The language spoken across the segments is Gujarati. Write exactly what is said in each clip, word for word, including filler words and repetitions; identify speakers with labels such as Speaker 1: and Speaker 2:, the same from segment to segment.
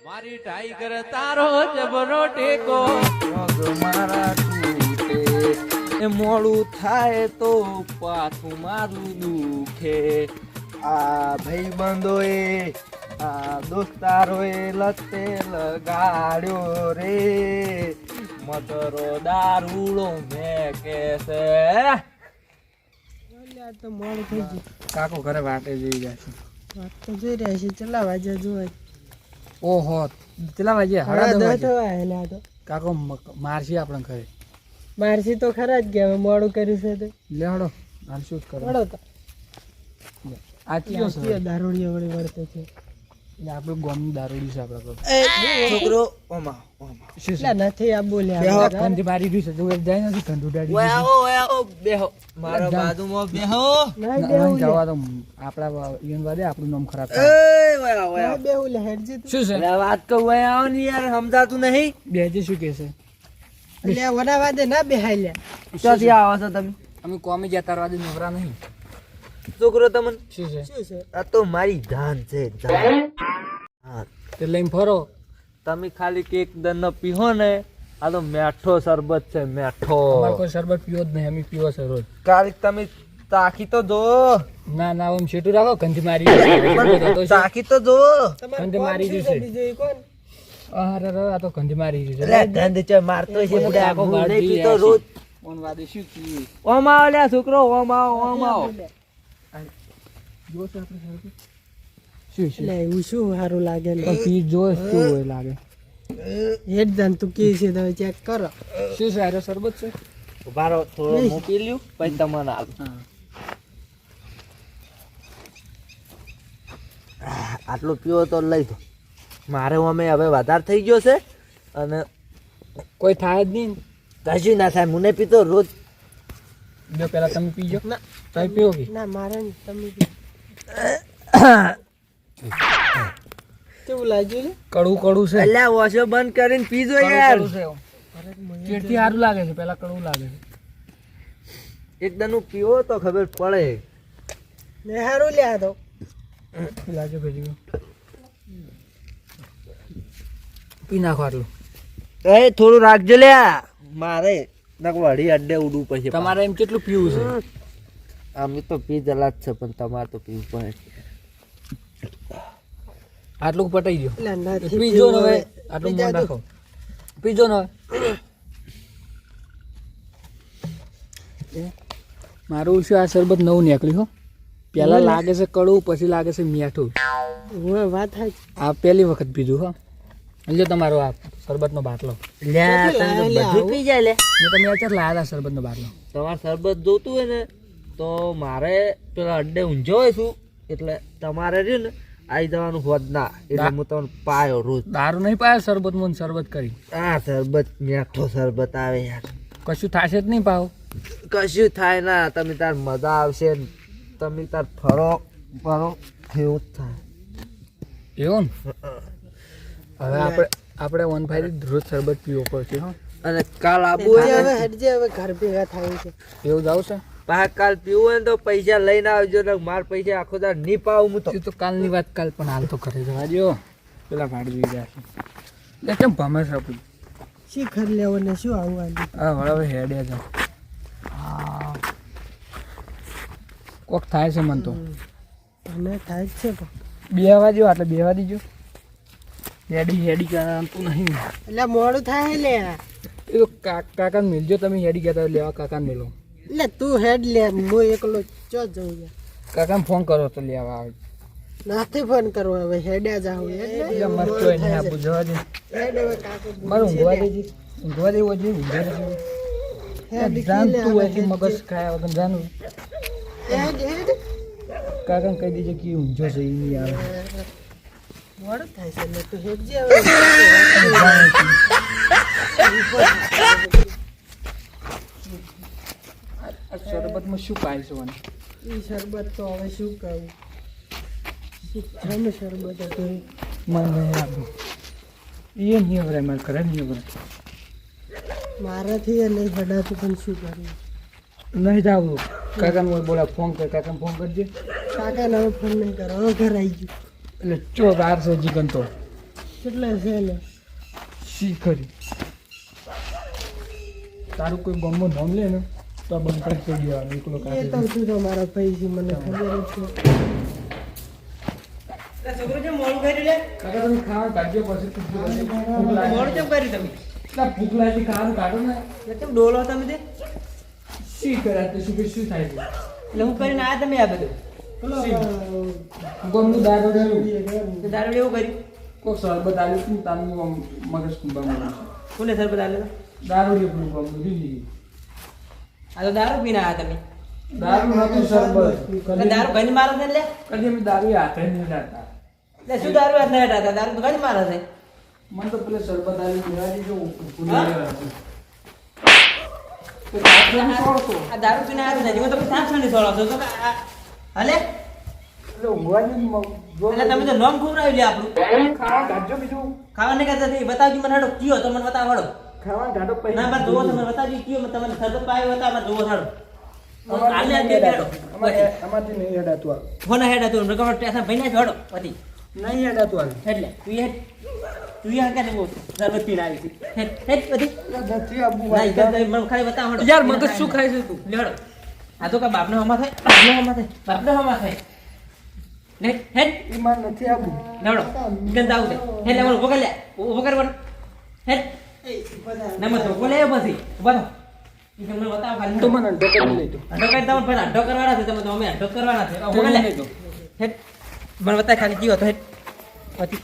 Speaker 1: મારી ટાઈગર તારો જબરો ટેકો
Speaker 2: પગ મારા તૂટે એ મોડું થાય તો પાછું મારું દુખે આ ભાઈબંધોએ આ દોસ્તારોએ લતે લગાડ્યો રે મધરો દારૂડો મેં કે છે
Speaker 3: તો મોડું થઈ ગયું.
Speaker 2: કાકો ઘરે વાટે જઈ જાય છે.
Speaker 3: વાત તો જોઈ રહ્યા છે. ચલા વાજે જોવા
Speaker 2: ઓહો કેટલા વાગ્યા?
Speaker 3: હળા
Speaker 2: સાડા દસ
Speaker 3: દસ
Speaker 2: વાગ્યા.
Speaker 3: થવા આયેલા તો
Speaker 2: કાકો મ- મારશે આપણે ઘરે.
Speaker 3: મારસી તો ખરા જ ગયા. હવે મોડું કર્યું છે તો
Speaker 2: લે હડો હાલ શું જ કરો.
Speaker 3: વળો તો
Speaker 2: આ કયો છે?
Speaker 3: દારૂડિયો વળી વર્તે છે.
Speaker 2: એટલે આપણું ગામનું દારૂડી છે આપણા પર.
Speaker 4: છોકરો ઓમાં ઓમાં
Speaker 2: શું છે?
Speaker 3: એટલે નથી આ બોલ્યા
Speaker 4: બેહો.
Speaker 3: આપણે.
Speaker 2: કંધી મારી રહ્યું છે જો જાય નથી કંધું ઉડાડી
Speaker 4: ઓય
Speaker 2: દીધું.
Speaker 4: આવો ઓય આવો બેહો મારા
Speaker 2: જા.
Speaker 4: બાજુમાં બેહો
Speaker 3: ના
Speaker 2: ના,
Speaker 3: બેહું
Speaker 2: ના,
Speaker 3: લે.
Speaker 2: જવા દો આપણા ઈવન વાદે આપણું નામ ખરાબ
Speaker 4: એ
Speaker 2: થાય.
Speaker 4: ઓય આવો ઓય
Speaker 3: ના
Speaker 4: આવો
Speaker 3: બેહું લે હેડજી તું.
Speaker 2: શું છે?
Speaker 4: અરે વાત કહું ઓય આવો ને યાર સમજાતું નહીં
Speaker 2: બેજી શું કે છે?
Speaker 3: એટલે આ વડા વાદે ના બેહાય લે.
Speaker 4: ક્યાંથી આવો છો તમે
Speaker 2: અમે કોમી જતા વાદે નવરા નહીં.
Speaker 4: છોકરો તમને
Speaker 2: શું છે?
Speaker 3: શું છે?
Speaker 4: આ તો મારી જાન છે જાન હા
Speaker 2: તે લઈને ફરો.
Speaker 4: તમે ખાલી કેક દન પીહો ને આ તો મેઠો શરબત છે મેઠો
Speaker 2: અમારે કોઈ શરબત પીવો જ નહીં અમે પીવો છે રોજ.
Speaker 4: કાલે તમે તાકી તો જો
Speaker 2: ના ના આમ છેટું રાખો કંધી મારી રહ્યું છે.
Speaker 4: તાકી તો જો
Speaker 3: તમારું
Speaker 2: કંધી
Speaker 3: કોણ
Speaker 2: મારી
Speaker 3: શું
Speaker 2: ગયું
Speaker 3: છે?
Speaker 2: છે.
Speaker 3: બીજું એ કોણ?
Speaker 2: અરે રે આ તો કંધી મારી રહ્યું છે.
Speaker 4: અરે ધંધ છે મારતો છે બુડા
Speaker 2: આખો
Speaker 4: હું
Speaker 2: ગાડી
Speaker 4: નહીં પીતો
Speaker 2: આ છે.
Speaker 4: રોજ
Speaker 2: ઓન વાદે શું કીધું?
Speaker 4: ઓમ આવો લ્યા છોકરો ઓમ આવો ઓમ આવો
Speaker 2: જો છે આપણે શરબત? શું છે?
Speaker 3: એટલે એવું શું સારું લાગે ને?
Speaker 2: પણ પી જો શું હોય લાગે.
Speaker 3: હેડ જાન તું કે છે તમે ચેક કરો.
Speaker 2: શું છે? આરો શરબત છે?
Speaker 4: ઉભારો થોડો હું પી લ્યું પછી તમને આપ
Speaker 2: હા.
Speaker 4: આટલો પીવો તો લઈ દો મારે અમે હવે વધારે થઈ ગયો છે અને
Speaker 2: કોઈ થાય જ નહીં.
Speaker 4: કશું ના થાય મને પીતો રોજ
Speaker 2: જો પેલા તમે પીજો.
Speaker 3: ના
Speaker 2: તમે પીવો કે?
Speaker 3: ના મારે નહીં. તમે કેવું લાગ્યું લે?
Speaker 2: કડવું કડવું છે.
Speaker 4: અલ્યા વોશો બંધ કરીને પીજો
Speaker 2: કડવું
Speaker 4: યાર
Speaker 2: કડવું છે. ચેડથી સારું લાગે છે પેલા કડવું લાગે છે.
Speaker 4: એકદમ પીવો તો ખબર પડે
Speaker 3: ને સારું લે આ તો.
Speaker 2: લાગે ભેજી પી નાખો આટલું.
Speaker 4: એ થોડું રાખજો લ્યા મારે નકવાડી અડ્ડે ઉડવું પછી
Speaker 2: તમારે એમ કેટલું પીવું છે?
Speaker 4: અમે તો પી જલા જ છે પણ તમારે તો પીવું પડે
Speaker 2: આટલું પટાઈ ગયો.
Speaker 3: એટલે નથી
Speaker 2: પીજો ને
Speaker 3: પીવું
Speaker 2: હવે
Speaker 3: હવે.
Speaker 2: આટલું
Speaker 3: બીજા
Speaker 2: મન રાખો. પીજો ને હવે. મારું શું આ શરબત નવું નીકળ્યું હો. પેલા લાગે છે કડવું પછી લાગે છે મીઠું.
Speaker 3: હવે વાત થાય છે.
Speaker 2: આ પહેલી વખત પીધું હો. લ્યો તમારો આ શરબતનો બાટલો.
Speaker 4: લ્યા તમે તો બધું પી જાય લે
Speaker 2: મેં તમે અત્યારે લાયા હતા શરબતનો બાટલો.
Speaker 4: તમારે શરબત જોતું હોય ને તો મારે પેલા અડ્ડે ઊંઝો હોય છું એટલે તમારે રહ્યું ને આવી જવાનું હોત ના એટલે હું તમને પાયો રોજ
Speaker 2: દારૂ નહીં પાયો શરબત મને શરબત કરી.
Speaker 4: આ શરબત મીઠો શરબત આવે યાર
Speaker 2: કશું થશે જ નહીં પાવ.
Speaker 4: કશું થાય ના તમે તાર મજા આવશે ને તમે તાર ફરો ફરો એવું જ થાય
Speaker 2: એવું ને? હવે આપણે આપણે વન ફાઈવ રોજ શરબત પીવો પડશે હો.
Speaker 4: અને કાલ આબુ
Speaker 3: હેડજે
Speaker 4: હોય
Speaker 3: હવે
Speaker 4: ને
Speaker 3: હેડજે હવે ઘર ભેગા થાય છે.
Speaker 2: એવું જાવ છે?
Speaker 4: પાછા કાલ પીવું હોય ને તો પૈસા લઈને આવજો ને માર પૈસા આખો દાર નહીં પાવું હું તો
Speaker 2: એ તો કાલની વાત કાલ પણ હાલ તો ઘરે જવા દો. પેલા ભાડી જોઈ ગયા છે કેમ ભમે છે આપણું.
Speaker 3: શી ઘર લેવો ને શું આવવાનું?
Speaker 2: હા હવે હેડે છે. કોક થાય છે મન તો.
Speaker 3: અને થાય જ છે પણ.
Speaker 2: બેહવા દો એટલે બેહવા દીજો. હેડી હેડી કરતું નહીં.
Speaker 3: એટલે મોડું થાય લે.
Speaker 2: એ તો કા- કાકાને મિલજો તમે હેડી ગયા તા લેવા કાકાને મિલો.
Speaker 3: એટલે તું હેડ લે હું એકલો ચો જઉં યાર.
Speaker 2: કાકાને ફોન કરો તો લેવા આવે.
Speaker 3: નથી ફોન કરવો હવે હેડ્યા જાવ એટલે
Speaker 2: એટલે મસ્ત હોય નહીં આપું જવા દે.
Speaker 3: હેડ હવે કાકો
Speaker 2: મારે ઊંઘવા દેજે. ઊંઘવા દેવું જોઈએ ઊંઘવા દેજે.
Speaker 3: હેડ
Speaker 2: જાણતું હોય છે મગજ ખાયા વગર જાણવું.
Speaker 3: હેડ હેડ
Speaker 2: કાકાને કહી દેજે કે ઊંઝો છે એ નહીં આવે.
Speaker 3: મોડું થાય છે એટલે તું હેડજે હવે.
Speaker 2: આ શરબતમાં શું પાય છે મને?
Speaker 3: ઈ શરબત તો હવે શું કહું. જમ શરબત હતું.
Speaker 2: મને નહીં આપું. એ નહીં વરાય મારે ઘરે નહીં વરાય.
Speaker 3: મારાથી એ નહીં હડાતું પણ શું કરવું.
Speaker 2: નહીં જાવું. કાકાને બોલા ફોન કર કાકાને ફોન કરજે.
Speaker 3: કાકાને હવે ફોન નહીં કરો હવે ઘર આવી ગયું.
Speaker 2: એટલે ચો વાર છે જીગન તો
Speaker 3: કેટલા છે ને
Speaker 2: શી ખરી તારું કોઈ ગમો નામ લે ને તો બંધ કરી દઈ દેવાનું એકલો
Speaker 3: એ
Speaker 2: કાઢી
Speaker 3: તો તું તો મારા પૈસી મને ખબર જ છે
Speaker 1: છોકરો જેમ મોડું કર્યું લે
Speaker 2: કાકા તમે ખાવા કાઢજો પછી ભૂખ લાગે. ભૂખ લાગે.
Speaker 1: મોડું કેમ કર્યું તમે
Speaker 2: ના, ભૂખ લાગી ખાવાનું કાઢો ને
Speaker 1: એટલે કેમ ડોલો તમે તે
Speaker 2: શી કર્યા તો શું કે શું થાય છે
Speaker 1: એટલે હું કરીને આયા તમે આ બધું
Speaker 3: પેલો
Speaker 2: ગમનું દારૂ
Speaker 1: તો દારૂ એવું કર્યું
Speaker 2: કોઈ શરબત આવ્યું હતું તાનું આમ મગજ કુંભા મળ્યું
Speaker 1: કોને સરબત આલે
Speaker 2: દારૂ એટલું ગમનું દીધી
Speaker 1: આ તો દારૂ પીને આયા તમે
Speaker 2: દારૂ નતું શરબત
Speaker 1: એટલે દારૂ ઘણી મારે છે લે
Speaker 2: કદી અમે દારૂ હાથે નહીં લાગતા
Speaker 1: એટલે શું દારૂ હાથ ના હતા દારૂ તો ઘણી મારે છે
Speaker 2: મને તો પેલે શરબત આવ્યું પીવાડી જો ભૂલી
Speaker 1: હા?
Speaker 2: ગયા હતું. તો દારૂ છોડતો.
Speaker 1: આ દારૂ પીને આવ્યા છે જીવન તમે સાત છાની સોળો છો તો કે આ- હલે
Speaker 2: એટલે ઊંઘવાની મ- જો-
Speaker 1: એટલે તમે તો નોમ ખવડાવી લે આપણું
Speaker 2: ખાવા કાઢજો બીજું
Speaker 1: ખાવા નહીં કરતા તે બતાવજો મને હાડો કયો તો મને બતાવો હાડો
Speaker 2: ખાવાનું કાઢો પછી
Speaker 1: ના મારે જોવો તમે બતાવજો કયો તમને સરબત પાયો હતા મારે જોવો હાડો
Speaker 2: અમારે
Speaker 1: આલે આ
Speaker 2: નહીં
Speaker 1: બે
Speaker 2: હેડાતું.
Speaker 1: હાડો
Speaker 2: અમારે- અમારથી નહીં હેડાતું આ.
Speaker 1: ફોન હેડ હતું રકમ ટેસા ભાઈ ના હાડો પછી
Speaker 2: નહીં હેડાતું આ.
Speaker 1: એટલે તું હેડ તું યાર કાને બહુ સરબત પીને આવી છે હેડ હેડ પછી
Speaker 2: એટલે નથી આબુ
Speaker 1: ના ઈ
Speaker 2: વાંધા.
Speaker 1: કરતા મને ખાલી બતાવો હાડો
Speaker 2: યાર મગજ શું ખાય છે તું
Speaker 1: લેડો આ તો કા બાપનો હમા થાય બાપનો હમા થાય બાપનો હમા થાય ને હેડ
Speaker 2: એમાં નથી આબુ
Speaker 1: લેવડો ગંદા આવું છે હેડ લેવડો ઉભો કર લે ઉભો કર વણ હેડ ના મત બોલે પછી ઉભા થો ઈ તમને બતાવો ખાલી
Speaker 2: તો મને અડધો કરી લેજો
Speaker 1: અડો કરી તમે પહેલા અડો કરવાના છે તમે તો અમે અડો કરવાના છે ઉભો કર લે
Speaker 2: લેજો.
Speaker 1: હેડ મને બતાય ખાલી જીવો તો હેડ પછી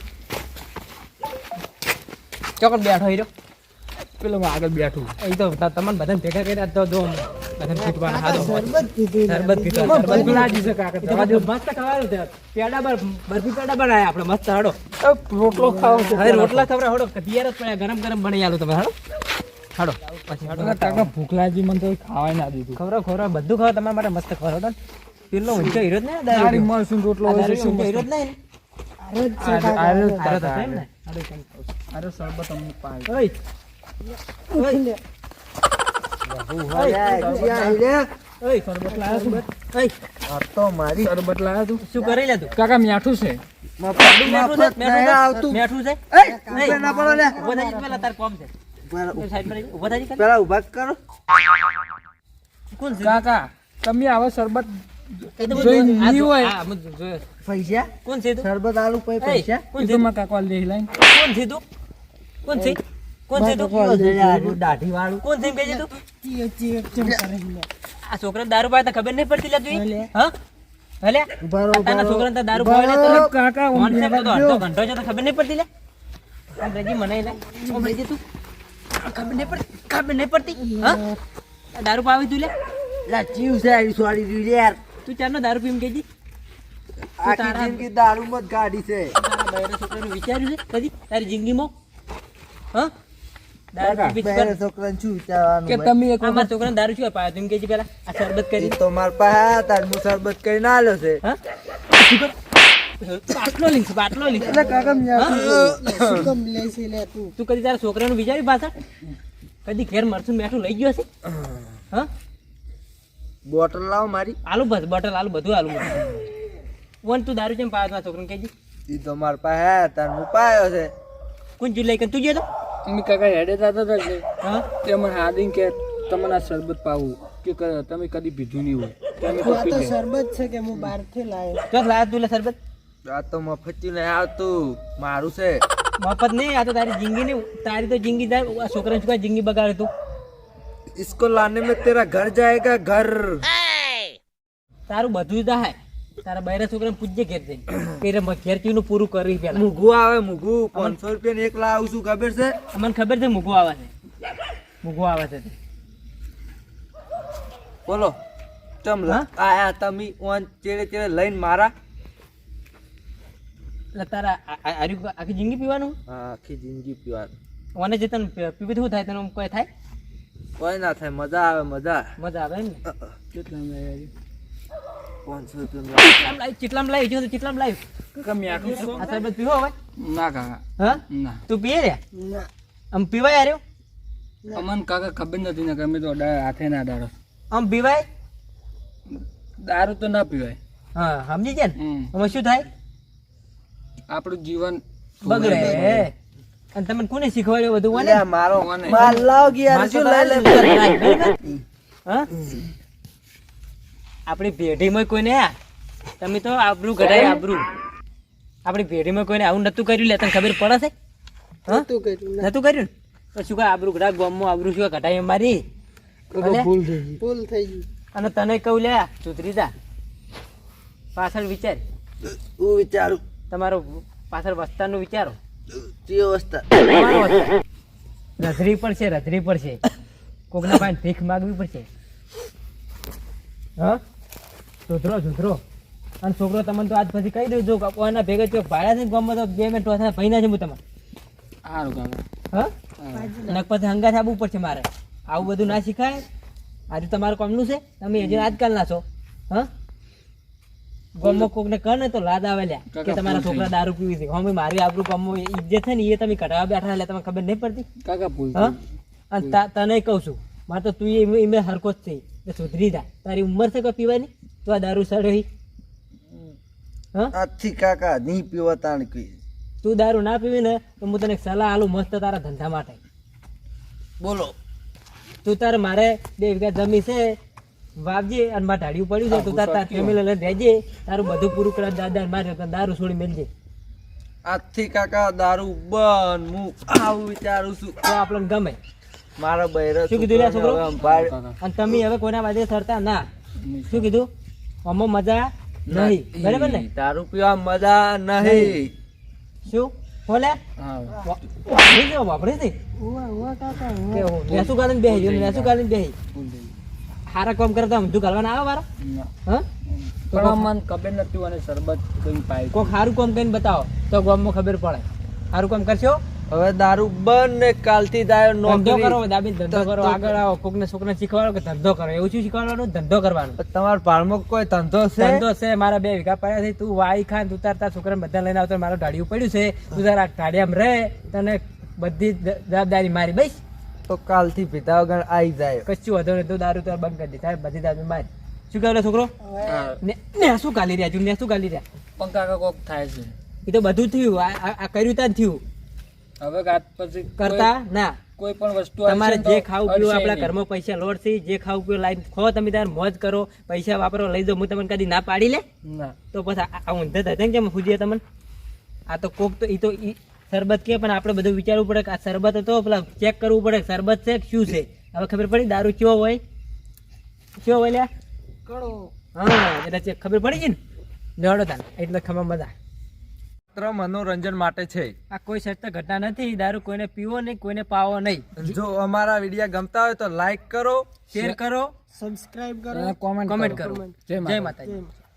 Speaker 1: ચોકડ બેઠો હીરો
Speaker 2: પેલો હું આગળ બેઠું
Speaker 1: એ તો ત- તમને બધાને ભેગા કર્યા તો જો બધાને ફૂટવાના હાથો
Speaker 3: શરબત પીધું
Speaker 1: શરબત પીધો
Speaker 2: એમાં
Speaker 1: શરબત
Speaker 2: ભૂખ લાગી છે કાકા
Speaker 1: એ તો બધું મસ્ત ખવાયું છે પેડા બર બરફી પેડા બનાયા આપણે મસ્ત હાડો
Speaker 2: અ, રોટલો ખાવો છે
Speaker 1: હવે રોટલા ખવડાવો હાડો તૈયાર જ પડ્યા ગરમ ગરમ બની આલું તમે હાડો હાડો પછી હાડો
Speaker 2: પેલા કાકા ભૂખ લાગી મને તો ખાવાય ના દીધું
Speaker 1: ખવડાવો ખવડાવો બધું ખવડાવો તમારા માટે મસ્ત ખવડાવો પેલો ઊંચો હીરો જ ને
Speaker 2: તારી મળશું રોટલો હોય છે શું
Speaker 1: હીરો જ નહીં
Speaker 3: અરે જ છે
Speaker 2: આરે-
Speaker 3: કાકા.
Speaker 2: આરે જ
Speaker 1: હારો તો
Speaker 2: કાકા,
Speaker 1: એમ ને
Speaker 2: આરે.
Speaker 1: હાડો કેમ ખાવ છો?
Speaker 2: અરે શરબત અમને પાય
Speaker 1: ઓય
Speaker 3: ઉઠી લે.
Speaker 1: ઓય સરબત લાવ્યો છું ઓય
Speaker 4: તો મારી
Speaker 2: શરબત લાવ્યા તું
Speaker 1: શું કરી લે તું
Speaker 2: કાકા મીઠું છે
Speaker 1: મેઠું છે મેઠું છે
Speaker 4: આવતું
Speaker 1: મેઠું છે
Speaker 4: ઉભે ના પડો લે.
Speaker 1: ઉભો થઈ જા પેલા તાર કોમ છે એ સાઈડ પર રહી. ઉભો થઈ જા ખાલી.
Speaker 4: પેલા ઉભા કરો
Speaker 1: કોણ છે
Speaker 2: કાકા તમે આવા શરબત
Speaker 1: એ તો
Speaker 2: જોઈ
Speaker 1: બધું- આ
Speaker 2: નહીં
Speaker 1: જો-
Speaker 2: હોય.
Speaker 1: આ બધું જોયો.
Speaker 4: પૈસા
Speaker 1: કોણ છે તું
Speaker 4: શરબત આલુ પછી
Speaker 1: એય,
Speaker 4: પૈસા
Speaker 1: કોણ
Speaker 2: એ
Speaker 1: છે
Speaker 2: તો મારા કાકા લઈ લાઈન
Speaker 1: કોણ છે તું કોણ છે કોણ છે તું
Speaker 4: દાઢી વાળું
Speaker 1: કોણ છે બેજે તું
Speaker 3: ચીયો ચીયો ચમ કરે છે.
Speaker 1: આ છોકરાને દારૂ પાય તો ખબર નહીં પડતી લે તું
Speaker 3: હલે.
Speaker 1: હા હલે
Speaker 4: ઉભા રહો,
Speaker 1: આ તારા
Speaker 4: ઉભા રહો.
Speaker 1: છોકરાને તો દારૂ
Speaker 4: ઉભા
Speaker 1: પાય
Speaker 4: રહો.
Speaker 1: તો
Speaker 2: કાકા હું
Speaker 1: કોણ છે
Speaker 2: બેઠો
Speaker 1: તો અડધો ઘંટો છે તો ખબર નહીં પડતી લે આ બેજી મને લે ઓ બેજે તું આ ખબર નહીં પડતી ખબર નહીં પડતી હા આ દારૂ પાવી તું લે
Speaker 4: લા ચીવ છે આરી સોરી દીધી યાર
Speaker 1: તું ચારનો દારૂ પીમ કેજી
Speaker 4: આખી
Speaker 1: તારા-
Speaker 4: જિંદગી દારૂ મત ગાડી છે
Speaker 1: તારા બૈરા છોકરાનું વિચાર્યું છે કદી તારી જિંદગીમાં હા દારૂ
Speaker 2: કાકા,
Speaker 1: પી પી
Speaker 4: બહેરે
Speaker 1: કર.
Speaker 4: છોકરાને શું વિચારવાનું
Speaker 2: કે
Speaker 4: ભાઈ?
Speaker 2: તમે એક
Speaker 1: આ મારા છોકરાને દારૂ શું પાયો તું કેજી પેલા આ શરબત કરી
Speaker 4: ઈ તો માર પાસે તાર હું શરબત કરીને આલ્યો છે
Speaker 1: હા બાટલો લીધો બાટલો લીધો
Speaker 4: એટલે કાકા
Speaker 3: શું કમ લે છે લે તું
Speaker 1: તું કદી તારા છોકરાનું વિચાર્યું પાછળ કદી ઘેર મરચું મેઠું લઈ ગયો હશે હા
Speaker 4: બોટલ લાવ મારી
Speaker 1: આલુ બસ બોટલ આલુ બધું આલુ વન તું દારૂ કેમ પાયો તારા છોકરાને કેજી
Speaker 4: ઈ તો માર પાસે તાર હું પાયો છે
Speaker 1: કોણ જુ લઈ કે તું ગયો તો
Speaker 2: અમે કાકા હેડે જતા હતા એટલે
Speaker 1: હા
Speaker 2: તે મને હાદીન કે તમને આ શરબત પાવું કે ક- તમે કદી પીધું નહીં હોય તમે તો
Speaker 3: આ
Speaker 2: પી
Speaker 3: તો
Speaker 2: લે.
Speaker 3: શરબત છે કે હું બહારથી લાવ્યો
Speaker 1: ચોક લાયા તું લે શરબત
Speaker 4: આ તો મફતી નહીં આવતું મારું છે
Speaker 1: મફત નહીં આ તો તારી જિંદગી નહીં તારી તો જિંદગી તાર આ છોકરાને શું કાંઈ જિંદગી બગાડે તું
Speaker 4: इसको लाने में तेरा घर जाएगा घर
Speaker 1: તારું બધું થાય તારા બૈરા છોકરાને પૂછજે ઘેર જઈને કે રે ઘેર ચીનું પૂરું કરી પેલા
Speaker 4: મુગું આવે મુગું પાંચસો રૂપિયા એક લાવું છું ખબર છે
Speaker 1: મને ખબર છે મૂકવું આવે છે મૂકવું આવે છે તે.
Speaker 4: બોલો તમ
Speaker 1: હા?
Speaker 4: આયા તમે ઓન ચેડે ચેડે લઈને મારા
Speaker 1: એટલે તારા આ- આ- આર્યું આખી જિંદગી પીવાનું
Speaker 4: હા, આખી જિંદગી પીવાનું
Speaker 1: ઓને જે તને પી- પીવી શું થાય તને કોઈ થાય
Speaker 4: કોઈ ના થાય મજા આવે મજા
Speaker 1: મજા આવે એમ ને
Speaker 2: કેટલા લઈ આવી?
Speaker 4: પાંચસો રૂપિયા
Speaker 1: ચીટલામ લાવી ચીટલામ લાવી જો તો ચીટલામ લાવી
Speaker 2: કાકા મીઠું છે?
Speaker 1: આ શરબત પીવો હવે
Speaker 2: ના કાકા
Speaker 1: હા
Speaker 2: ના
Speaker 1: તું પીએ રે
Speaker 3: ના
Speaker 1: આમ પીવાય આર્યો
Speaker 2: અમને કાકા ખબર નથી ને કે અમે તો અડા- હાથે ના દાડો
Speaker 1: આમ પીવાય
Speaker 2: દારૂ તો ના પીવાય
Speaker 1: હા સમજી ગયા ને
Speaker 2: હમ.
Speaker 1: આમાં શું થાય
Speaker 2: આપણું જીવન
Speaker 1: બગડે અને તમને કોને શીખવાડ્યું બધું મને
Speaker 4: અલ્યા, મારો માલ લાવ કે યાર શું લઈ લે
Speaker 1: હા આપણી પેઢીમાં કોઈને આ તમે તો આબરૂ ઘટાય આબરૂ આપણી પેઢીમાં કોઈને આવું નતું કર્યું લે તને ખબર પડે છે હા
Speaker 3: તું કર્યું ના.
Speaker 1: નતું કર્યું ને તો શું કાંઈ આબરૂ ઘટા ગામમાં આબરૂ શું ઘટાય મારી ભલે?
Speaker 2: ભૂલ થઈ ગઈ
Speaker 3: ભૂલ થઈ ગઈ.
Speaker 1: અને તને કહું લે સુધરી જા પાછળ વિચાર
Speaker 4: હું વિચારું
Speaker 1: તમારો પાછળ વસ્તારનું વિચારો
Speaker 4: તે અવસ્થા
Speaker 1: તમારો વસ્તાર. રધરી પડશે રધરી પડશે કોકના પાસે ભીખ માગવી પડશે હા સુધરો સુધરો અને છોકરો તમને તો આજ પછી કહી દઉં જો કોઈના ભેગા ચોક ભાડ્યા છે ને ગામમાં તો બે મિનિટ ઓછા ભાઈ ના છે હું તમારે
Speaker 2: સારું કાકા
Speaker 1: હા નક પછી હંગાથ આવવું પડશે મારે આવું બધું ના શીખાય આજે તમારું કામનું છે તમે હજી આજકાલના છો હા ગામમાં કોકને કહે ને તો લાદ આવે લ્યા કે તમારા છોકરા દારૂ પીવી છે હવે મારી આબરૂ ગામમાં ઇજ્જત છે ને એ તમે કઢાવા બેઠા એટલે તમને ખબર નહીં પડતી
Speaker 2: કાકા ભૂલ
Speaker 1: હા અને તા- તને કહું છું મારે તો તું એ એમે હરકો જ છે એ સુધરી જા તારી ઉંમર છે કોઈ પીવાની તો આ દારૂ સડ્યો હા
Speaker 4: આજથી કાકા નહીં પીવા તાણ કઈ
Speaker 1: તું દારૂ ના પીવી ને તો હું તને એક સલાહ આલું મસ્ત તારા ધંધા માટે
Speaker 4: બોલો
Speaker 1: તું તારે મારે બે વીઘા જમી છે વાવજે અને મારે ઢાળ્યું પડ્યું છે તું તાર તાર ફેમિલી લઈને રહેજે તારું બધું પૂરું કરે દાદા મારે તને દારૂ છોડી મેલજે
Speaker 4: આજથી કાકા દારૂ બંધ હું આવું વિચારું છું
Speaker 1: તો આપણને ગમે
Speaker 4: મારા બૈરા
Speaker 1: શું કીધું લ્યા છોકરો?
Speaker 2: કાકા
Speaker 1: અને તમે હવે કોઈના વાજે સરતા ના શું કીધું આમાં મજા નહીં બરાબર ને
Speaker 4: દારૂ પીવા મજા નહીં
Speaker 1: શું બોલે
Speaker 2: હા
Speaker 1: વાપરી દો વાપરી દે
Speaker 3: ઉવા, ઉવા કાકા, ઉવા.
Speaker 1: કે હું નેસું ગાલીને બેહી નેસું ગાલીને બેહી
Speaker 2: ભૂલ થઈ ગઈ
Speaker 1: હારા કામ કરતા બધું કરવાના આવે મારા
Speaker 2: ના.
Speaker 1: હા
Speaker 2: પણ મને ખબર નથી અને શરબત કઈ પાય
Speaker 1: કોઈક સારું કામ કરીને બતાવો તો ગામમાં ખબર પડે સારું કામ કરશો
Speaker 4: હવે દારૂ બંધ ને કાલથી દાયો
Speaker 1: ધંધો કરો
Speaker 4: નોકરી
Speaker 1: દાબી ધંધો કરો આગળ આવો કોકને છોકરાને શીખવાડો કે ધંધો કરો એવું શું શીખવાડવાનું ધંધો કરવાનો
Speaker 4: તમારા પાળમાં કોઈ ધંધો છે
Speaker 1: ધંધો છે મારા બે વીઘા પડ્યા છે તું વાઈ ખાન તું તાર તાર છોકરાને બધા લઈને આવતો મારું ઢાળિયું પડ્યું છે તું તારા ઢાળિયામાં રહે તને બધી જ જવાબદારી મારી બસ
Speaker 4: તો કાલથી પીતા વગર આવી જાય
Speaker 1: કશું વધુ નહીં તું દારૂ તાર બંધ કરી દે તારે બધી દારૂ મારી શું કહેલો છોકરો
Speaker 2: હા
Speaker 1: ને ને શું ગાલી રહ્યા છું ને શું ગાલી રહ્યા
Speaker 2: પણ કાકા કોક થાય છે
Speaker 1: એ તો બધું થયું આ- આ આ કર્યું ત્યાં જ થયું
Speaker 2: હવે કાત પછી
Speaker 1: કરતા ના
Speaker 2: કોઈ પણ વસ્તુ
Speaker 1: તમારે
Speaker 2: આવશે ને
Speaker 1: જે
Speaker 2: તો
Speaker 1: ખાવું પીવું
Speaker 2: અડશે
Speaker 1: આપણા
Speaker 2: નહીં.
Speaker 1: ઘરમાં પૈસા લોડ છે જે ખાવું પીવું લાઈન ખો તમે તાર મોજ કરો પૈસા વાપરો લઈ જાઓ હું તમને કદી ના પાડી લે
Speaker 2: ના
Speaker 1: તો પછી આ- આ ઊંધે થતા કેમ પૂછીએ તમને આ તો કોક તો એ તો ઈ શરબત કે પણ આપણે બધું વિચારવું પડે કે આ શરબત હતો પેલા ચેક કરવું પડે કે શરબત છે કે શું છે હવે ખબર પડી દારૂ કેવો હોય કેવો હોય લ્યા
Speaker 3: કડો.
Speaker 1: હા એટલે ચેક ખબર પડી ગઈ ને લેવડો તાર એટલે ખબર મજા
Speaker 4: માત્ર મનોરંજન માટે છે
Speaker 1: આ કોઈ સસ્તા ઘટના નથી દારૂ કોઈને પીવો નહીં કોઈને પાવો નહીં
Speaker 4: જો અમારા વિડીયો ગમતા હોય તો લાઈક કરો
Speaker 1: શેર કરો
Speaker 3: સબસ્ક્રાઇબ કરો.
Speaker 2: અને કોમેન્ટ
Speaker 1: કોમેન્ટ કરો
Speaker 2: જય
Speaker 1: જય
Speaker 2: માતા
Speaker 1: માતાજી
Speaker 3: જય માતા.